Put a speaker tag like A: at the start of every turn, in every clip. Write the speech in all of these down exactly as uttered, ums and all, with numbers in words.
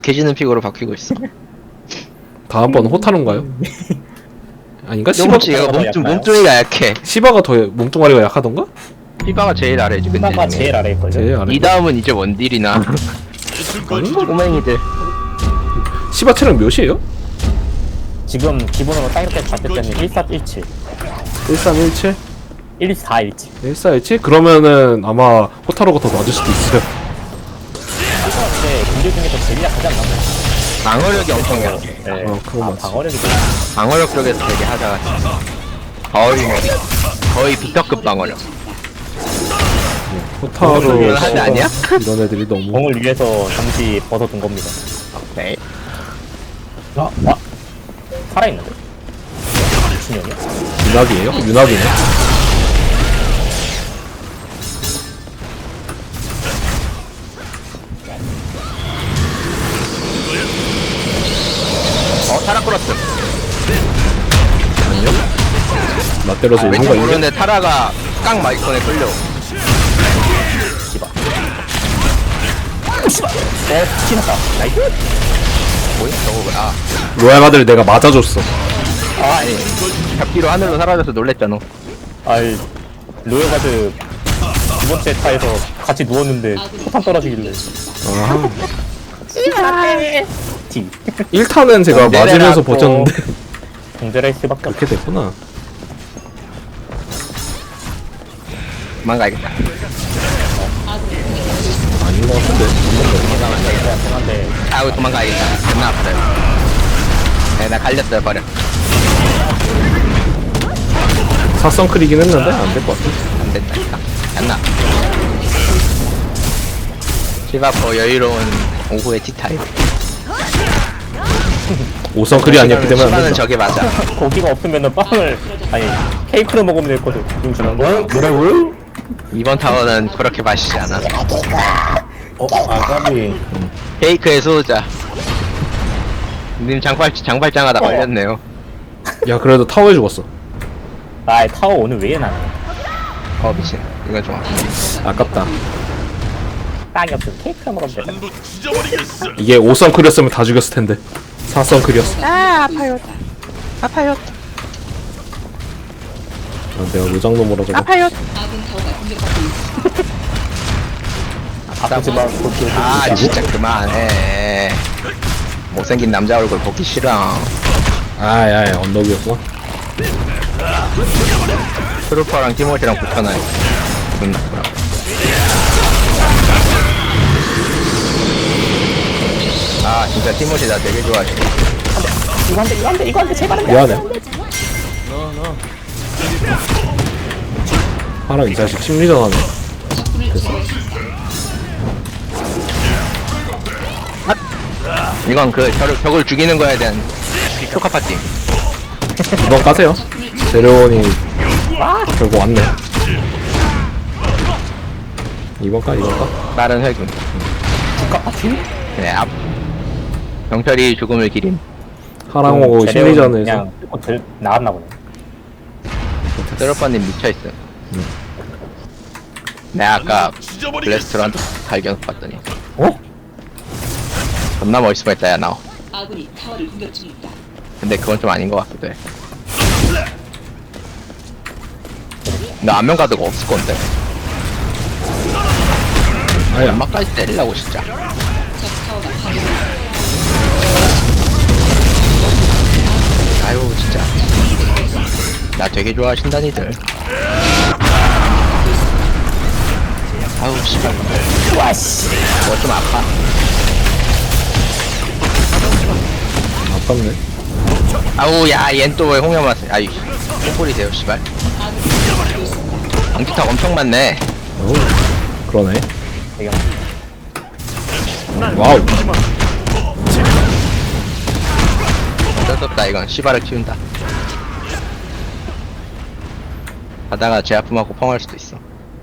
A: 개지는 픽으로 바뀌고 있어.
B: 다음번 호타루인가요? 아닌가? 시바,
A: 조금씩 얘가 몸좀 몸뚱이가 약해.
B: 시바가 더 몸뚱아리가 약하던가?
A: 피바가 제일 아래지. 근데
C: 피바가 제일 아래일걸요?
B: 제일 아래.
A: 이 다음은 이제 원딜이나 꼬맹이들.
B: 시바 체력 몇이에요?
C: 지금 기본으로 딱 이렇게 봤을 때는 일사일칠
B: 일삼일칠?
C: 일사일칠
B: 일사일칠? 그러면은 아마 호타루가 더 낮을 수도 있어요.
C: 근데 군대 중에서 제일 약하지 않나?
A: 방어력이 엄청 약해.
C: 네.
B: 어, 그건
C: 아,
B: 맞지.
C: 방어력이 좀
A: 방어력 쪽에서 되게 하자가 거의 뭐 거의 비터급 방어력.
B: 호타루
A: 이건 하지 아니야?
B: 이런 애들이 너무
C: 공을 위해서 잠시 벗어둔 겁니다.
A: 네.
C: 아, 아, 살아있는데? 미친년이야?
B: 윤학이에요? 윤학이네.
A: 어 타라 끌었어.
B: 아니요? 나 때려서 오는
A: 왠지
B: 거 있냐?
A: 모르는데 타라가 깡 마이콘에 끌려.
C: 씨발. 씨발. 어, 치났다. 나이스.
A: 뭐야 저거 뭐야?
B: 로얄 마들 내가 맞아줬어.
A: 아 아니 잡기로 하늘로 사라져서 놀랬잖아.
C: 아이, 로열가드 두 번째 타에서 같이 누웠는데 포탄 떨어지길래.
B: 아,
C: 티.
B: 일 타는 제가
A: 언제나
B: 맞으면서
A: 또-
B: 버텼는데
C: 공제를 수밖에 없어.
B: 그렇게 됐구나.
A: 도망가야겠다.
B: 아닌 것 같은데.
C: 한데
A: 아우 도망가야겠다. 존나 아파요. 네, 나 갈렸어요 버려.
B: 사성 크리긴 했는데 안 될 것 같아.
A: 안 된다 이거. 안나. 시바포 여유로운 오후의 티타임.
B: 오성 크리 아니었기 때문에 안
A: 시바는
B: 된다.
A: 저게 맞아.
C: 고기가 없으면은 빵을 아니 케이크를 먹으면 됐거든. 용준아. 뭐라고요?
A: 이번 타워는 그렇게 마시지 않아.
C: 어, 아가비.
A: 케이크에 소자. 님 장발 장발장하다 걸렸네요.
B: 야 그래도 타워에 죽었어.
C: 아, 타워 오늘 왜 나네?
A: 어 미친. 이건 좀 아프네.
B: 아깝다.
C: 땅이 없으면 케이크를 먹으면 되잖아.
B: 이게 오성 크리였으면 다 죽였을 텐데. 사성 크리였어.
D: 아 아파요 아파요
B: 아, 내가 무장놈으로 저거.
D: 아파요
C: 아프지만 그렇게
A: 아 진짜 그만해. 못생긴 남자 얼굴 보기 싫어.
B: 아야 언덕이었어.
A: 트루퍼랑 티모시랑 붙여놔요. 존나 그럼. 아 진짜 티모시 나 되게 좋아해.
C: 이거 한대 이거 한대 이거 한대 제발 한대.
B: 미안해. 하랑 이 자식 심리전 하네. 됐어.
A: 이건 그 벽을, 벽을 죽이는 거에 대한 효과 파티.
B: 이번 까세요. 제레온이 결국 왔네. 이번 까 이번 까.
A: 빠른 회군.
C: 국가 파티?
A: 네, 앞. 경찰이 죽음을 기린.
B: 하랑하고 심리전에서
C: 그냥 어, 들, 나왔나 보네.
A: 트루퍼님 미쳐있어. 내가 아까 블래스트런 발견 봤더니
C: 어?
A: 존나 멋있어 보였다 야 나.
E: 아군이 타워를 공격 중입니다.
A: 근데 그건 좀 아닌 것 같기도 해. 나 안면 가드가 없을 건데.
B: 아야
A: 연막까지 때리려고 진짜. 아유 진짜. 나 되게 좋아하신다니들. 아우 씨발.
C: 와씨.
A: 뭐 좀 아파.
B: 아깝네.
A: 아우 야얜 또 왜 홍염 왔어. 아이 뽀뽀리세요 씨발. 방지턱 엄청 많네.
B: 오 그러네.
C: 이거
B: 와우.
A: 어쩔 수 없다 이건 씨발을 키운다. 가다가 제 아픔하고 펑할 수도 있어.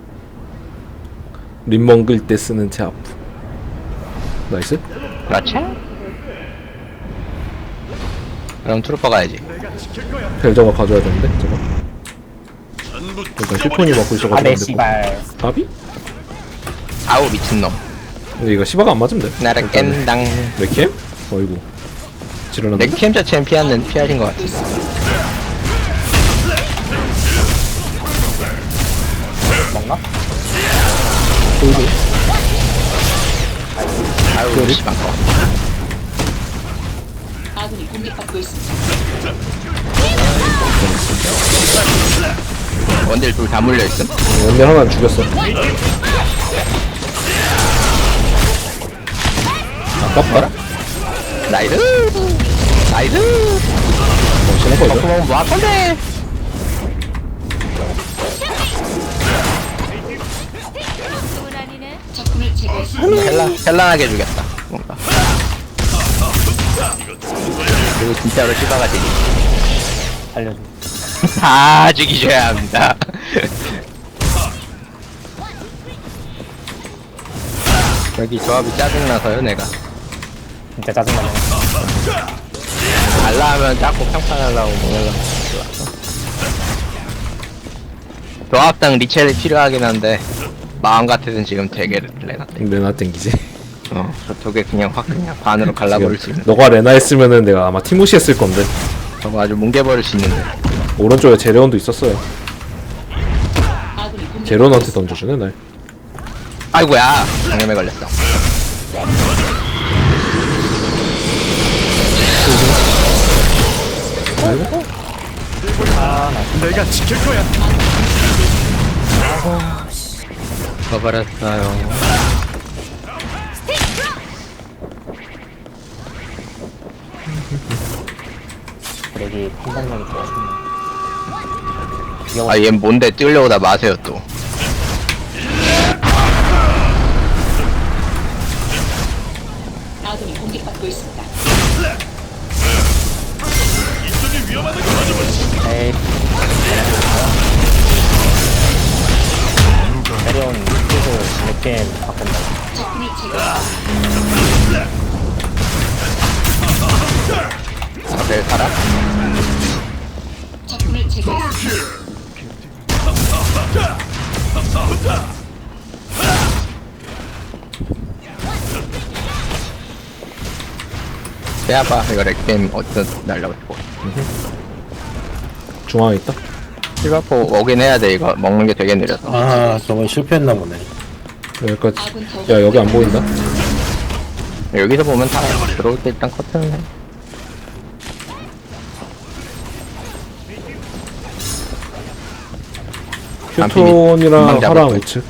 B: 림멍 끌 때 쓰는 제 아프. 나이스.
A: 그렇지? 그럼 트루퍼 가야지.
B: 벨저가 가져야 되는데 저거. 일단 슈폰이 먹고 있어가지고
C: 아네
B: 안 됐고.
C: 씨발.
B: 까비?
A: 아우 미친놈.
B: 근데 이거 시바가 안 맞으면 돼.
A: 나를 깬당.
B: 레캠? 어이구. 지르는데.
A: 넥캠 자체는 피하는 피하신 것 같아.
C: 먹나?
A: 아유 씨발 거.
E: 아군이 공격받고 있습니다.
A: 원딜 둘 다 물려 있음.
B: 원딜 하나 죽였어. 아깝다.
A: 나이스. 나이스.
B: 멋있는 거죠?
A: 그럼 뭐 아픈데?
E: 적군을 제거했습니다.
A: 헬라 헬라하게 죽였다. 뭔가. 그리고 진짜로 시바가 되니
C: 살려줘.
A: 다 죽이셔야 합니다. 여기 조합이 짜증나서요 내가.
C: 진짜 짜증나네.
A: 달라 하면 자꾸 평판하려고 뭐 하려고 좋았어. 조합당 리첼이 필요하긴 한데 마음 같아서는 지금 되게 레나
B: 레나 땡기지.
A: 어 저쪽에 그냥 확 그냥 반으로 갈라버릴 수 있는
B: 너가 레나 했으면은 내가 아마 티모시 했을 건데.
A: 저거 아주 뭉개버릴 수 있는데
B: 오른쪽에 제레온도 있었어요.
E: 아군이 공격.
B: 제레온한테 던져주네 날.
A: 아이고야 장염에 걸렸어. 버렸어요.
C: 여기 판단력이 좋아.
A: 아 얘 뭔데 뛰려고 다 마세요 또.
E: 아군이 공격받고 있습니다.
C: 에이. 새로운 스킬을 몇 게임 바꾼다.
E: 적군을 제거했습니다.
A: 앞에 살아?
E: 적군을 제거했습니다.
A: 빼야봐 이거 렉겜 어떤 날라고 있고.
B: 중앙에 있다.
A: 실바포 오긴 해야 돼 이거 먹는 게 되게 느려서.
F: 아, 저건 실패했나 보네.
B: 여기까지.
E: 아군 더
B: 야 여기 안 보인다.
A: 여기서 보면 다 들어올 때 일단 커트는 해.
B: 휴톤이랑
A: 금방 잡을
B: 하랑
A: 거야.
B: 우측.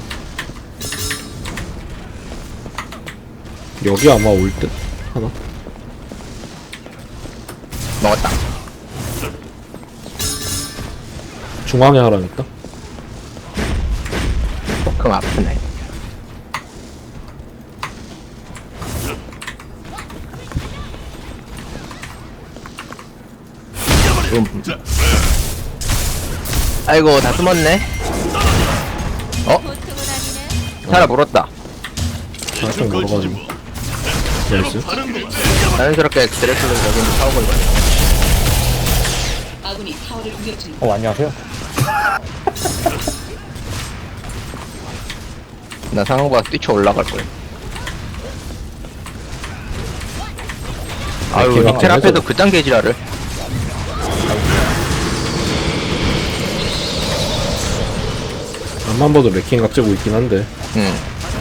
B: 여기 아마 올 듯. 하나.
A: 먹었다.
B: 중앙에 하랑 있다.
A: 조금 아프네. 음. 아이고 다 숨었네. 어? 살아 물었다.
B: 살짝 멀어가지고. 나이스.
A: 자연스럽게 드래클로 여기는 사오고 있네.
E: 아군이 타워를 공격 중입니다.
C: 어, 안녕하세요.
A: 나 상호가 뛰쳐 올라갈 거야. 아유
B: 걔가
A: 리첼
B: 안
A: 앞에서
B: 해줘.
A: 그딴 개지랄을.
B: 앞만 봐도 레킹 갑자고 있긴 한데.
A: 응.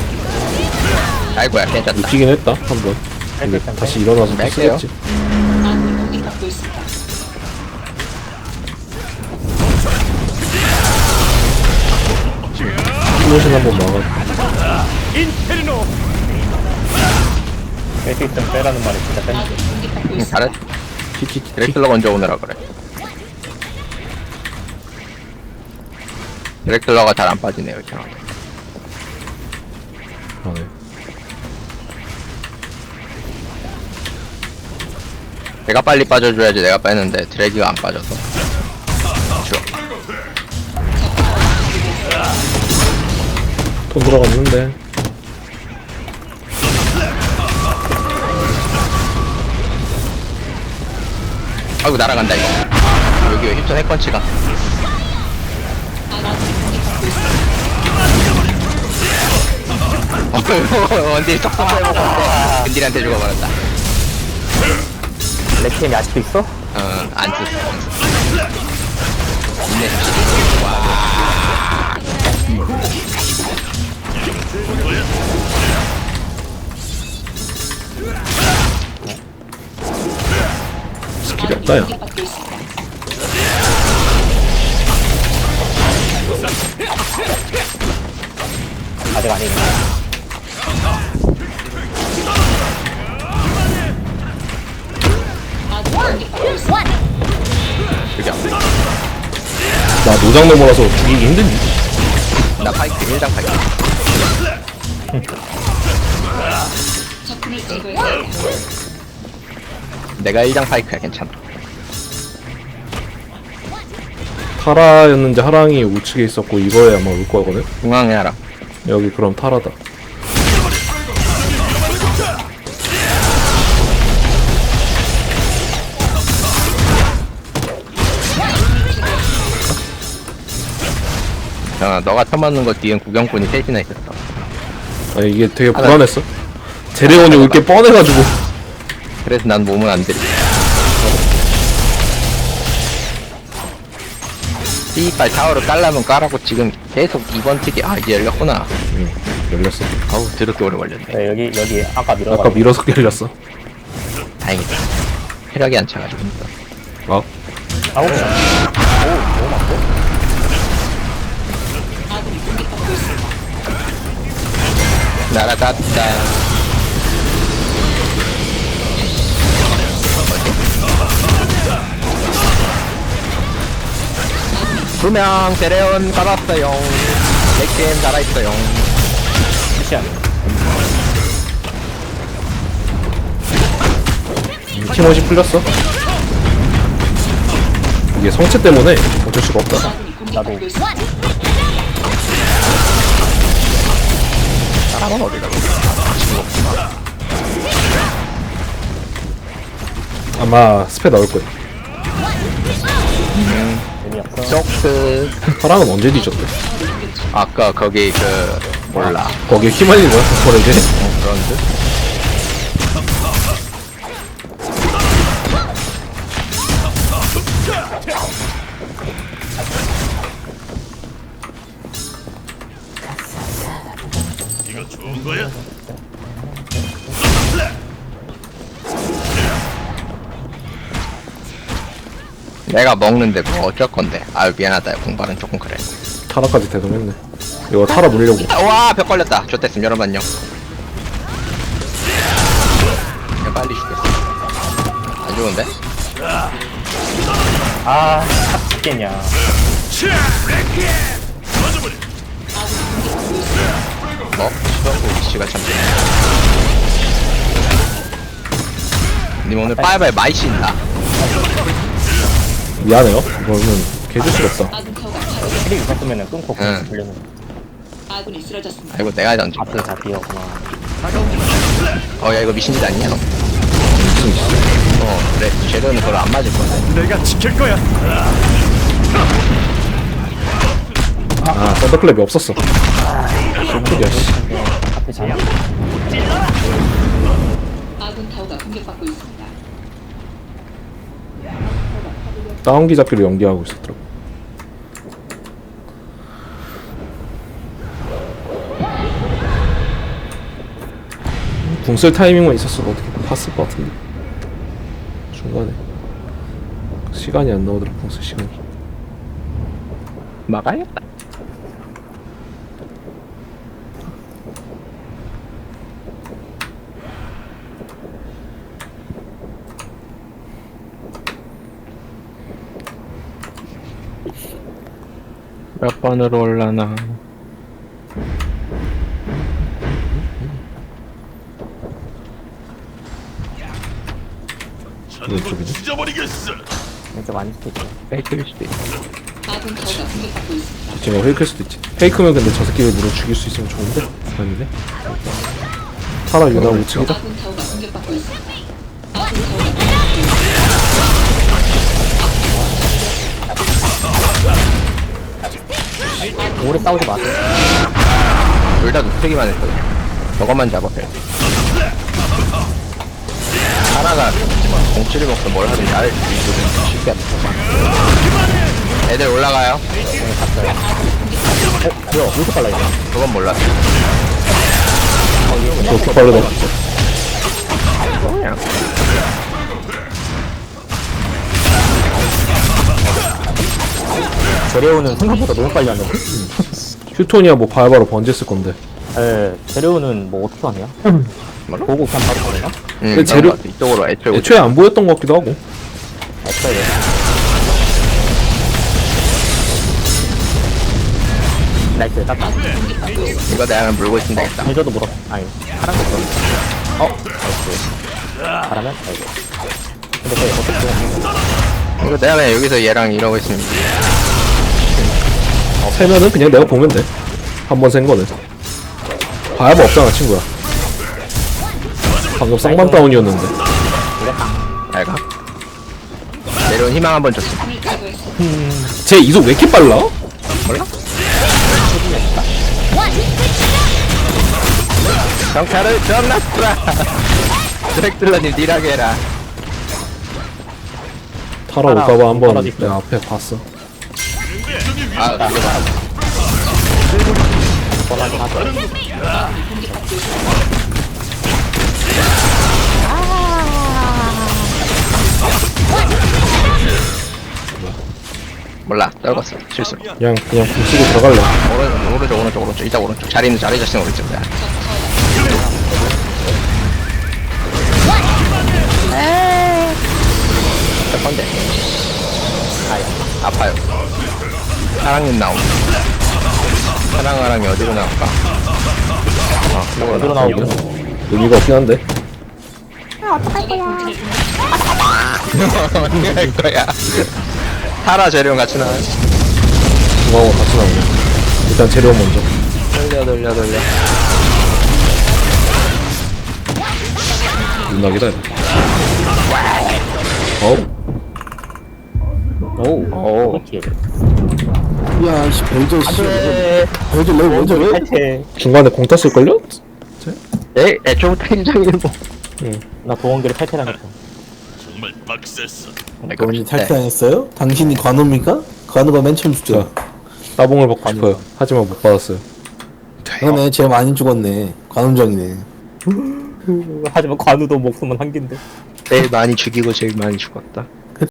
A: 아이고야 괜찮다.
B: 웃기긴 했다 한 번. 근데 다시 일어나서 또
A: 뺄게요.
B: 쓰겠지.
E: 아군이 공격받고 있습니다.
B: 플로신 한번 막아.
C: 뺄 수 있으면 빼라는 말이 진짜 뺀다.
E: 아군이 공격받고
A: 응,
E: 있습니다.
A: 잘했.
B: 키키키.
A: 드래클러 먼저 오느라 그래. 드래클러가 잘 안 빠지네요 이렇게.
B: 아, 네.
A: 내가 빨리 빠져줘야지 내가 빼는데 드래기가 안 빠져서. 좋아.
B: 돈 들어갔는데.
A: 아이고 날아간다 이거. 여기 힙선 핵펀치가.
E: 아군이 공격받고 있습니다.
A: 원딜 쏙쏙 빼먹었는데 근딜한테 죽어버렸다.
C: 레캠이 아직도 있어?
A: 어, 안 썼어, 안 썼어. 인내
B: 스킬이 없다 야.
E: 공격받고 있습니다.
C: 아직 안 있네.
E: 아군이 공격받고 있습니다.
A: 죽여.
B: 나 노장 넘어라서 죽이기 힘든지.
A: 나 파이크 일장 파이크.
E: 적군을 제거해야 합니다.
A: 내가 일장 파이크야, 괜찮아.
B: 타라였는지 하랑이 우측에 있었고 이거에 아마 올 거거든.
A: 중앙에 하라.
B: 여기 그럼 타라다.
A: 야, 너가 처맞는 거 뒤엔 구경꾼이 셋이나 있었어.
B: 아니 이게 되게 불안했어. 제레온이 올 게 뻔해가지고.
A: 그래서 난 몸을 안 들이. 이빨 타워를 깔라면 깔라고 지금 계속 이번 특이 아 이제 열렸구나.
B: 응, 열렸어.
A: 아우 드럽게 오래 걸렸네.
C: 네, 여기 여기 아까 밀어가.
B: 아까 밀어서 열렸어.
A: 다행이다. 혈액이 안 차가지고.
B: 아,
C: 아홉 시. 오, 너무 많고.
E: 아군이 공격받고 있습니다.
A: 날아갔다. 두명 데레온 받았어요. 넥게임 달아있어요.
C: 시간.
B: 팀원이 풀렸어. 이게 성체 때문에 어쩔 수가 없다.
E: 아군이 공격받고 있습니다.
A: 사람은 어디 가고?
B: 아마 스페 나올 거야.
C: 재미없어.
A: 쇼크.
B: 하랑은 언제 뒤졌대?
A: 아까 거기 그 몰라.
B: 거기에 휘말린 거야? 그걸 이제?
A: 어, 그런 듯? 내가 먹는데 뭐 어쩔 건데. 아유 미안하다. 공부는 조금 그래.
B: 타라까지 대동했네. 이거 타라 물려고.
A: 와, 벽 걸렸다. 좋댔음. 여러분 안녕. 그냥 빨리 죽겠어. 안 좋은데?
C: 아, 죽겠냐.
A: 뭐? 수영구 위치가 참 좋네. 님 오늘 빠이빠이 많이 쉰다.
B: 미안해요. 이거는 개줄 수가 없다.
E: 아군 타워가 파괴.
C: 힐이 있었으면 끊고
A: 응.
C: 그냥 돌려는.
E: 아군이 쓰러졌습니다.
A: 아이고 내가 던져.
C: 앞으로 다 뛰었구나.
A: 어, 야 이거 미신짓 아니냐 너?
B: 무슨 짓이야.
A: 어, 그래. 쟤는 그걸 안 맞을 건데.
G: 내가 지킬 거야.
B: 아, 썬더클랩이 없었어. 쇼크야, 씨.
C: 앞에 잘.
E: 아군 타워가 공격받고 있습니다.
B: 다운기 잡기로 연기하고 있었더라고. 궁쓸 타이밍만 있었어도 어떻게 봤을 것 같은데. 중간에 시간이 안 나오더라. 궁쓸 시간이.
A: 막아야겠다. 몇 번으로 올라나?
G: 찢어버리겠어.
C: 왼쪽 아닐 수도 있어.
A: 페이크일 수도 있어.
E: 아군 타워가 공격받고 있습니다.
B: 지금 페이크일 수도 있지. 페이크면 근데 저 새끼를 물어 죽일 수 있으면 좋은데? 아니네. 타라 유나 우측이다.
E: 아군 타워가 공격받고 있습니다. 아군 타워가 공격받고 있습니다.
C: 오래 싸우지 마세요.
A: 둘 다 눕히기만 했거든. 저것만 잡아요. 하나가 공치를 먹고 뭘 하든 나를 이기거든. 쉽게 안 돼. 애들 올라가요.
C: 뭐야 왜 이렇게 빨라 이거.
A: 그건 몰랐어.
B: 그렇게 빠르다.
A: 그냥
C: 제레오는 생각보다 너무 빨리 하네.
B: 휴톤이야 뭐 바로바로 번졌을 건데.
C: 예, 제레오는 뭐 어떻게 하냐?
A: 뭐라?
C: 보고 그냥 바로 가나?
A: 응,
B: 근데 재료-
A: 재료... 이쪽으로 애초에 오지.
B: 애초에 안 보였던 것 같기도 하고.
C: 맞다 이거. 나이스 땄다.
A: 이거 내가 물고 있으면 되겠다.
C: 해줘도 물어. 아니 파란 거 물어. 어? 나이스. 잘하면? 아이고. 근데 거의 어떻게
A: 이거 내가 그냥 여기서 얘랑 이러고 있으면
B: 세면은 그냥 내가 보면 돼. 한 번 센 거는. 바야바 없잖아 친구야. 방금 쌍만 다운이었는데.
A: 알가? 내려온 희망 한번 줬어.
B: 쟤 이속 왜 이렇게 빨라?
A: 몰라? 경찰을 전났구라. 드랙들러님 딜하게 해라.
B: 타라
C: 타라,
B: 올까봐 한번
C: 떨어질
B: 내 앞에 봤어.
A: 아, 이거 봐.
C: 뻔하긴 하죠.
A: 몰라. 떨궜어. 실수로.
B: 그냥 그냥 궁 쓰고 들어갈래.
A: 오른, 오른쪽, 오른쪽, 오른쪽. 이따 오른쪽. 자리는 자리 자신 오른쪽이야. 첫 번째. 아야. 아파요. 사랑님 나옴. 사랑아랑이 어디로 나올까? 아, 이거
C: 어디로 나오고?
B: 의미가 없긴 한데.
D: 아, 어떡할 거야.
A: 언니 할 거야. 타라 재료랑 같이 나와요.
B: 중앙하고 같이 나오네. 일단 재료 먼저.
A: 돌려, 돌려, 돌려.
B: 윤락이다 이거. 어우.
C: 오, 오, 오케이.
F: 야, 씨, 벨저, 씨.
C: 안돼.
F: 벨저 왜 먼저 왜?
C: 탈퇴.
B: 중간에 공 땄을걸요?
A: 에, 애초부터 인정일보.
C: 나 도원기를 탈퇴당했어.
G: 정말 빡셌어.
F: 너는 탈퇴당했어요? 당신이 관우입니까? 관우가 맨 처음 죽죠.
B: 따봉을 받고 싶어요. 하지만 못 받았어요.
F: 그러네, 제일 많이 죽었네. 관음정이네.
C: 하지만 관우도 목숨은 한 개인데.
A: 제일 많이 죽이고 제일 많이 죽었다.